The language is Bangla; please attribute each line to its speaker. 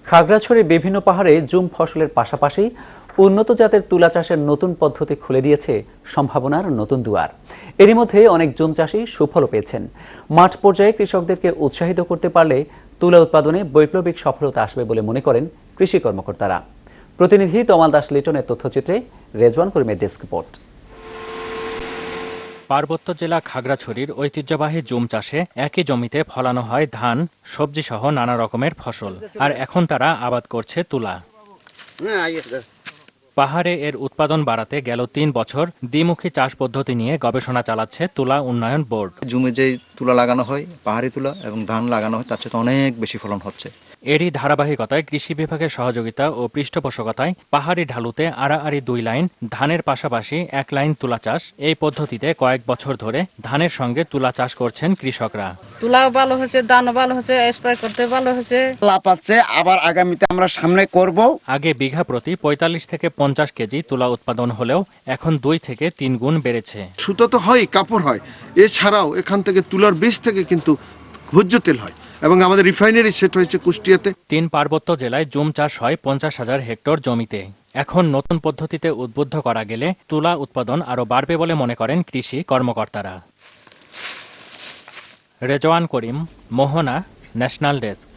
Speaker 1: খাগড়াছড়ির বিভিন্ন পাহাড়ে জুম ফসলের পাশাপাশি উন্নত জাতের তুলা চাষের নতুন পদ্ধতি খুলে দিয়েছে সম্ভাবনার নতুন দুয়ার। এরই মধ্যে অনেক জুম চাষী সুফলও পেয়েছেন। মাঠ পর্যায়ে কৃষকদেরকে উৎসাহিত করতে পারলে তুলা উৎপাদনে বৈপ্লবিক সফলতা আসবে বলে মনে করেন কৃষি কর্মকর্তারা। প্রতিনিধি তমাল দাস লিটনের তথ্যচিত্রে রেজওয়ান করিমের ডেস্ক রিপোর্ট।
Speaker 2: পার্বত্য জেলা খাগড়াছড়ির ঐতিহ্যবাহী জুম চাষে একই জমিতে ফলানো হয় ধান, সবজি সহ নানা রকমের ফসল। আর এখন তারা আবাদ করছে তুলা। পাহাড়ে এর উৎপাদন বাড়াতে গেল ৩ বছর দ্বিমুখী চাষ পদ্ধতি নিয়ে গবেষণা চালাচ্ছে তুলা উন্নয়ন বোর্ড।
Speaker 3: জমি যে তুলা লাগানো হয়, পাহাড়ি তুলা এবং ধান লাগানো হয়, তার চেয়ে অনেক বেশি ফলন হচ্ছে।
Speaker 2: এরই ধারাবাহিকতায় কৃষি বিভাগের সহযোগিতা ও পৃষ্ঠপোষকতায় পাহাড়ি ঢালুতে আড়াআড়ি ২ লাইন, ধানের পাশাপাশি ১ লাইন তুলা চাষ। এই পদ্ধতিতে কয়েক বছর ধরে ধানের সঙ্গে তুলা চাষ করছেন কৃষকরা।
Speaker 4: তুলাও ভালো হচ্ছে, ধানও ভালো হচ্ছে, স্প্রে করতে ভালো হচ্ছে,
Speaker 5: লাভ আছে। আবার আগামীতে আমরা সামনে করব।
Speaker 2: আগে বিঘা প্রতি ৪৫ থেকে ৫০ কেজি তুলা উৎপাদন হলেও এখন ২ থেকে ৩ গুণ বেড়েছে।
Speaker 6: সুতো তো হয়, কাপড় হয়, এছাড়াও এখান থেকে তুলার বীজ থেকে কিন্তু ভোজ্য তেল হয় এবং আমাদের রিফাইনারি সেট হয়েছে কুষ্টিয়াতে।
Speaker 2: ৩ পার্বত্য জেলায় জুম চাষ হয় ৫০,০০০ হেক্টর জমিতে। এখন নতুন পদ্ধতিতে উদ্বুদ্ধ করা গেলে তুলা উৎপাদন আরও বাড়বে বলে মনে করেন কৃষি কর্মকর্তারা। Rezwan Karim, Mohona, national desk.